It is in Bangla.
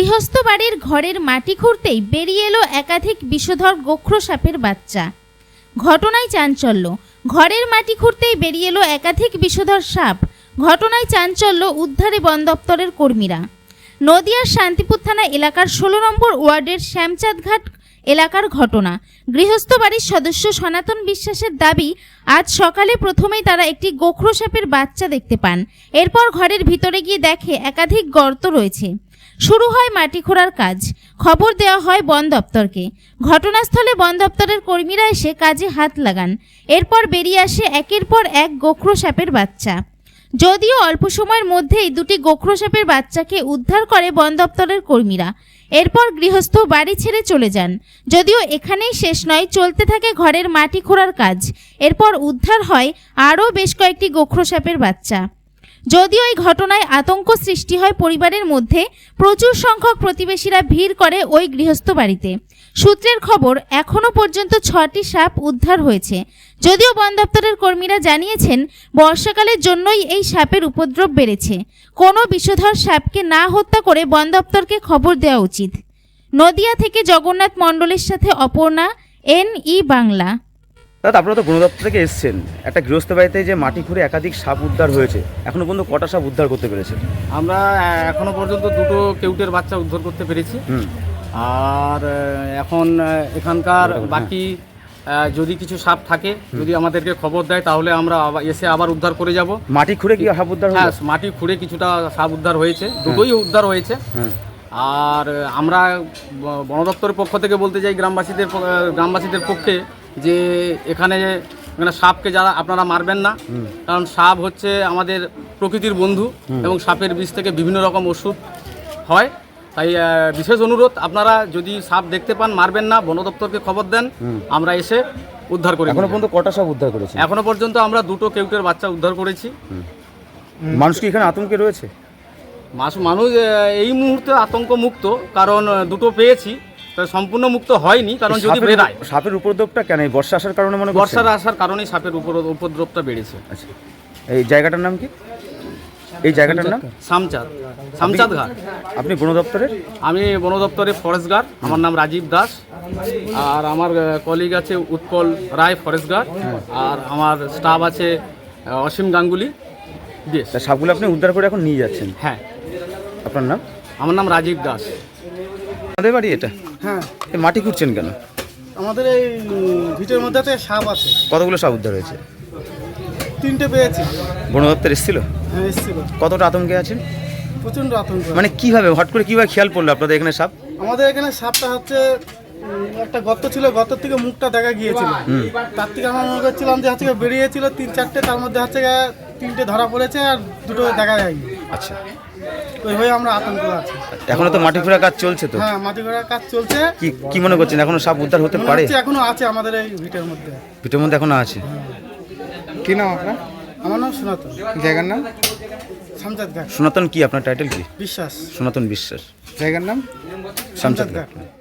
গৃহস্থ বাড়ির ঘরের মাটি খুঁড়তেই বেরিয়ে এলো একাধিক বিষধর গোখরো সাপের বাচ্চা। ঘটনায় চাঞ্চল্য। ঘরের মাটি খুঁড়তেই বেরিয়ে এলো একাধিক বিষধর সাপ। ঘটনায় চাঞ্চল্য, উদ্ধারে বন দপ্তরের কর্মীরা। নদিয়ার শান্তিপুর থানা এলাকার 16 নম্বর ওয়ার্ডের শ্যামচাঁদঘাট এলাকার ঘটনা। গৃহস্থ বাড়ির সদস্য সনাতন বিশ্বাসের দাবি, আজ সকালে প্রথমেই তারা একটি গোখরো সাপের বাচ্চা দেখতে পান। এরপর ঘরের ভিতরে গিয়ে দেখে একাধিক গর্ত রয়েছে। শুরু হয় মাটি খোঁড়ার কাজ। খবর দেওয়া হয় বন দপ্তরকে। ঘটনাস্থলে বন দপ্তরের কর্মীরা এসে কাজে হাত লাগান। এরপর বেরিয়ে আসে একের পর এক গোখরো সাপের বাচ্চা। যদিও অল্প সময়ের মধ্যেই দুটি গোখরো সাপের বাচ্চাকে উদ্ধার করে বন দপ্তরের কর্মীরা। এরপর গৃহস্থ বাড়ি ছেড়ে চলে যান। যদিও এখানেই শেষ নয়, চলতে থাকে ঘরের মাটি খোঁড়ার কাজ। এরপর উদ্ধার হয় আরও বেশ কয়েকটি গোখরো সাপের বাচ্চা। যদিও এই ঘটনায় আতঙ্ক সৃষ্টি হয় পরিবারের মধ্যে। প্রচুর সংখ্যক প্রতিবেশীরা ভিড় করে ওই গৃহস্থ বাড়িতে। সূত্রের খবর, এখনও পর্যন্ত 6টি সাপ উদ্ধার হয়েছে। যদিও বন দপ্তরের কর্মীরা জানিয়েছেন, বর্ষাকালের জন্যই এই সাপের উপদ্রব বেড়েছে। কোনো বিষধর সাপকে না হত্যা করে বন দপ্তরকে খবর দেওয়া উচিত। নদিয়া থেকে জগন্নাথ মণ্ডলের সাথে অপর্ণা, NE বাংলা। দাদা, আপনারা তো বন দপ্তর থেকে এসেছেন, একটা গৃহস্থ বাড়িতে যে মাটি খুঁড়ে একাধিক সাপ উদ্ধার হয়েছে, এখনো পর্যন্ত কটা সাপ উদ্ধার করতে পেরেছেন? আমরা এখনো পর্যন্ত দুটো কেউটের বাচ্চা উদ্ধার করতে পেরেছি। আর এখন এখানকার বাকি যদি কিছু সাপ থাকে, যদি আমাদেরকে খবর দেয়, তাহলে আমরা এসে আবার উদ্ধার করে যাব। মাটি খুঁড়ে কি সাপ উদ্ধার? হ্যাঁ, মাটি খুঁড়ে কিছুটা সাপ উদ্ধার হয়েছে, দুটোই উদ্ধার হয়েছে। আর আমরা বন দপ্তরের পক্ষ থেকে বলতে চাই গ্রামবাসীদের পক্ষে যে এখানে সাপকে যারা আপনারা মারবেন না, কারণ সাপ হচ্ছে আমাদের প্রকৃতির বন্ধু এবং সাপের বিষ থেকে বিভিন্ন রকম ওষুধ হয়। তাই বিশেষ অনুরোধ, আপনারা যদি সাপ দেখতে পান মারবেন না, বন দপ্তরকে খবর দেন, আমরা এসে উদ্ধার করি। এখনো পর্যন্ত কটা সাপ উদ্ধার করেছি? এখনো পর্যন্ত আমরা দুটো কেউটের বাচ্চা উদ্ধার করেছি। মানুষ কি এখানে আতঙ্কে রয়েছে? মানুষ এই মুহূর্তে আতঙ্ক মুক্ত, কারণ দুটো পেয়েছি, সম্পূর্ণ মুক্ত হয়নি, কারণ যদি বেড়ায়। সাপের উপদ্রবটা কেন? বর্ষা আসার কারণে মনে হয়? বর্ষার আসার কারণেই সাপের উপদ্রবটা বেড়েছে। আচ্ছা, এই জায়গাটার নাম কি? এই জায়গাটার নাম শ্যামচাঁদঘাট। আপনি বন দপ্তরের? আমি বন দপ্তরের ফরেস্ট গার্ড। আমার নাম রাজীব দাস। আর আমার কলিগ আছে উৎপল রায়, ফরেস্ট গার্ড। আর আমার স্টাফ আছে অসীম গাঙ্গুলি। সাপগুলো আপনি উদ্ধার করে এখন নিয়ে যাচ্ছেন? হ্যাঁ। আপনার নাম? আমার নাম রাজীব দাস। আমাদের বাড়ি এটা? হ্যাঁ। মাটি খুঁড়ছেন কেন? আমাদের এই ভিটের মধ্যে একটা সাপ আছে। কতগুলো সাপ উদ্ধার হয়েছে? 3টে পেয়েছি। বন দপ্তর এসেছিল? হ্যাঁ, এসেছিল। কতটা আতঙ্কে আছেন? প্রচণ্ড আতঙ্ক। মানে কিভাবে, হট করে কিভাবে খেয়াল পড়লো আপনাদের এখানে সাপ? আমাদের এখানে সাপটা হচ্ছে একটা গর্ত ছিল, গর্তের থেকে মুখটা দেখা গিয়েছিল। তার থেকে আমরা মনে করছিলাম যে হচ্ছে বেরিয়েছিল 3-4টে, তার মধ্যে হচ্ছে 3টে ধরা পড়েছে আর 2টো দেখা যায়নি। আচ্ছা, ওই হয়ে আমরা আতঙ্ক আছি। এখনো তো মাটি খোঁড়ার কাজ চলছে তো? হ্যাঁ, মাটি খোঁড়ার কাজ চলছে। কি মনে করছেন, এখনো সাপ উদ্ধার হতে পারে? এখনো আছে আমাদের এই ভিটের মধ্যে। ভিটের মধ্যে এখনো আছে? কি নাম আপনার? আমার নাম সনাতন। জায়গার নাম? শ্যামচাঁদঘাট। সনাতন কি আপনার টাইটেল কি? বিশ্বাস। সনাতন বিশ্বাস। জায়গার নাম? শ্যামচাঁদঘাট।